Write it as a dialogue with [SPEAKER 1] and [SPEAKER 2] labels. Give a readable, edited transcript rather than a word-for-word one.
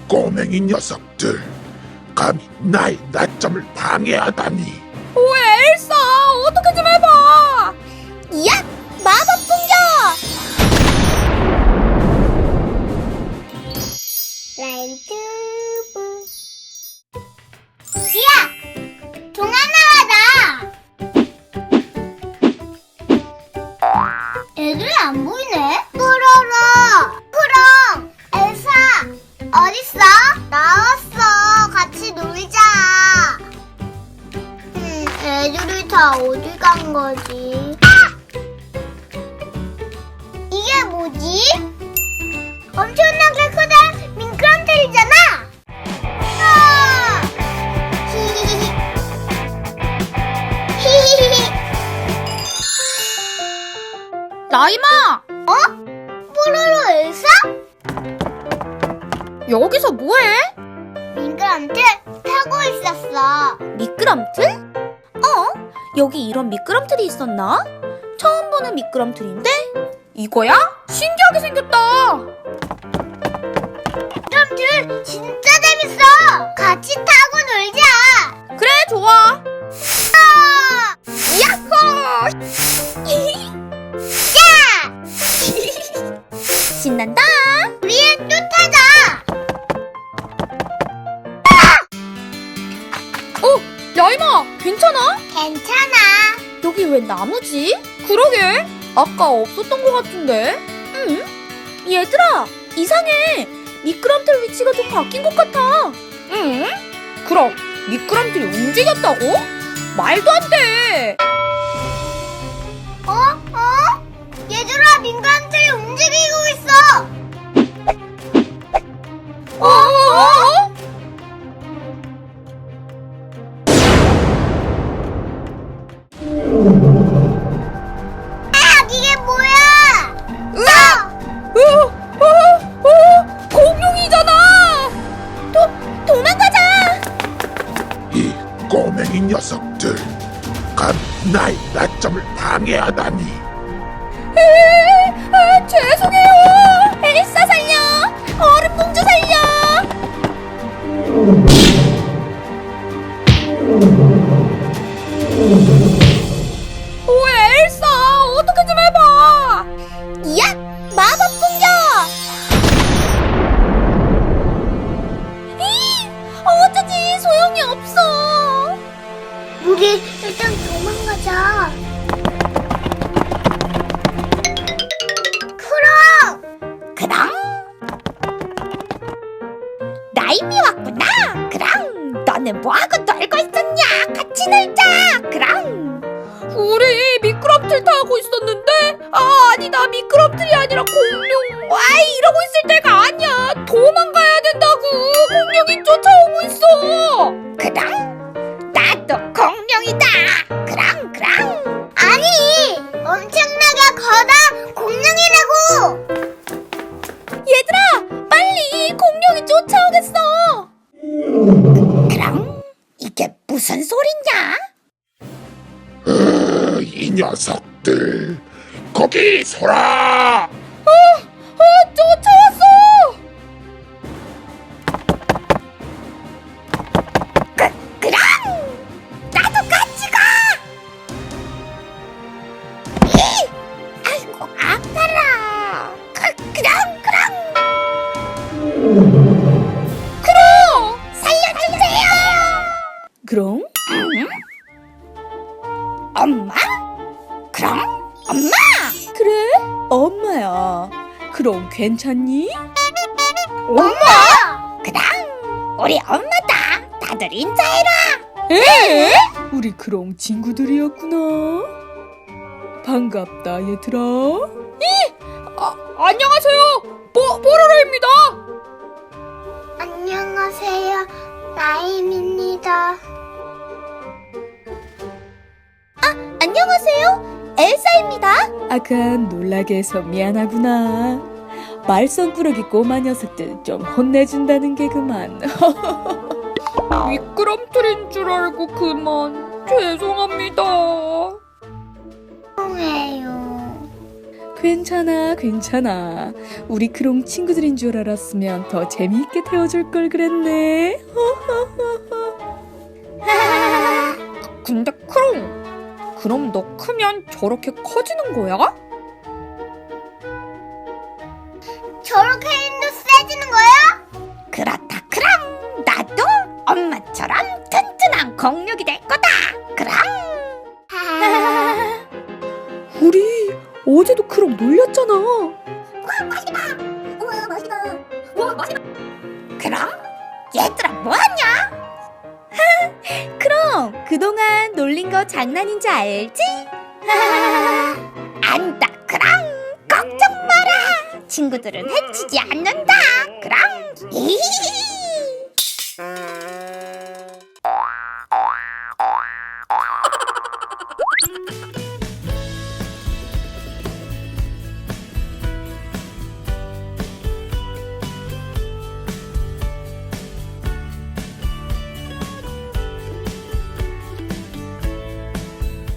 [SPEAKER 1] 꼬맹이 녀석들, 감히 나의 낮잠을 방해하다니.
[SPEAKER 2] 오, 엘사, 어떻게 좀 해봐.
[SPEAKER 3] 야! 마법 공격! 라이트부. 야! 동안 나가자! 애들이 안 보이네? 푸로로! 푸롱! 엘사! 어딨어? 나왔어! 같이 놀자! 애들이 다 어디 간 거지? 이게 뭐지? 엄청나게 크다 미끄럼틀이잖아! 아! 히히히히. 히히히히.
[SPEAKER 2] 라임아,
[SPEAKER 3] 뽀로로 엘사?
[SPEAKER 2] 여기서 뭐해?
[SPEAKER 3] 미끄럼틀 타고 있었어.
[SPEAKER 2] 미끄럼틀? 여기 이런 미끄럼틀이 있었나? 처음 보는 미끄럼틀인데? 이거야? 신기하게 생겼다.
[SPEAKER 3] 미끄럼틀 진짜 재밌어! 같이 타고 놀자!
[SPEAKER 2] 그래, 좋아.
[SPEAKER 3] 아!
[SPEAKER 2] 야호!
[SPEAKER 3] 야!
[SPEAKER 2] 신난다.
[SPEAKER 3] 우리 또 타자!
[SPEAKER 2] 라임아, 괜찮아?
[SPEAKER 3] 괜찮아.
[SPEAKER 2] 여기 왜 나무지? 그러게, 아까 없었던 것 같은데. 응? 얘들아, 이상해. 미끄럼틀 위치가 좀 바뀐 것 같아. 응? 그럼 미끄럼틀이 움직였다고? 말도 안 돼.
[SPEAKER 3] 얘들아, 미끄럼틀이 움직이고 있어! 이게 뭐야?
[SPEAKER 2] 공룡이잖아.
[SPEAKER 3] 도망가자!
[SPEAKER 1] 이 꼬맹이 녀석들, 감히 나의 낮잠을 방해하다니.
[SPEAKER 2] 죄송해요. 엘사 살려. 얼음 공주 살려. 오, 엘사, 어떻게 좀 해봐.
[SPEAKER 3] 야! 마법 공격!
[SPEAKER 2] 어쩌지, 소용이 없어.
[SPEAKER 3] 우리 일단 도망가자.
[SPEAKER 2] 그럼 라임이 왔구나. 그럼 너는 뭐하고 놀고 있었냐? 같이 놀자. 그럼 우리 미끄럼틀 타고 있었는데 아니다, 미끄럼틀이 아니라 공룡. 이러고 있을 때가 아니야. 도망가야 된다고. 공룡이 쫓아오고 있어. 그럼 나도 공룡이다. 그럼
[SPEAKER 3] 아니! 엄청나게 커다 공룡이라고!
[SPEAKER 2] 얘들아, 빨리. 공룡이 쫓아오겠어. 그럼 이게 무슨 소리냐?
[SPEAKER 1] 이 녀석들, 거기 서라!
[SPEAKER 2] 쫓아왔어. 그럼 나도 같이 가. 아이고, 아파라. 그럼 살려주세요. 그럼? 엄마? 그럼 엄마? 그래? 엄마야. 그럼 괜찮니? 엄마? 그럼 우리 엄마다. 다들 인사해라. 에? 우리 그럼 친구들이었구나. 반갑다, 얘들아. 안녕하세요. 뽀로로입니다.
[SPEAKER 3] 안녕하세요. 나임입니다.
[SPEAKER 2] 안녕하세요. 엘사입니다.
[SPEAKER 4] 아까 놀라게 해서 미안하구나. 말썽꾸러기 꼬마 녀석들 좀 혼내준다는 게 그만.
[SPEAKER 2] 미끄럼틀인 줄 알고 그만. 죄송합니다.
[SPEAKER 3] 죄송해요.
[SPEAKER 4] 괜찮아, 괜찮아. 우리 크롱 친구들인 줄 알았으면 더 재미있게 태워줄 걸 그랬네.
[SPEAKER 2] 근데 크롱, 그럼 너 크면 저렇게 커지는 거야?
[SPEAKER 3] 저렇게 힘도 세지는 거야?
[SPEAKER 2] 그렇다 그럼 나도 엄마처럼 튼튼한 공룡이 될 거다. 그럼.
[SPEAKER 4] 우리 어제도 크롱 놀렸잖아.
[SPEAKER 2] 그럼 얘들아 뭐하냐? 그럼 그동안 놀린 거 장난인지 알지? 안다 그럼 걱정 마라. 친구들은 해치지 않는다. 그럼.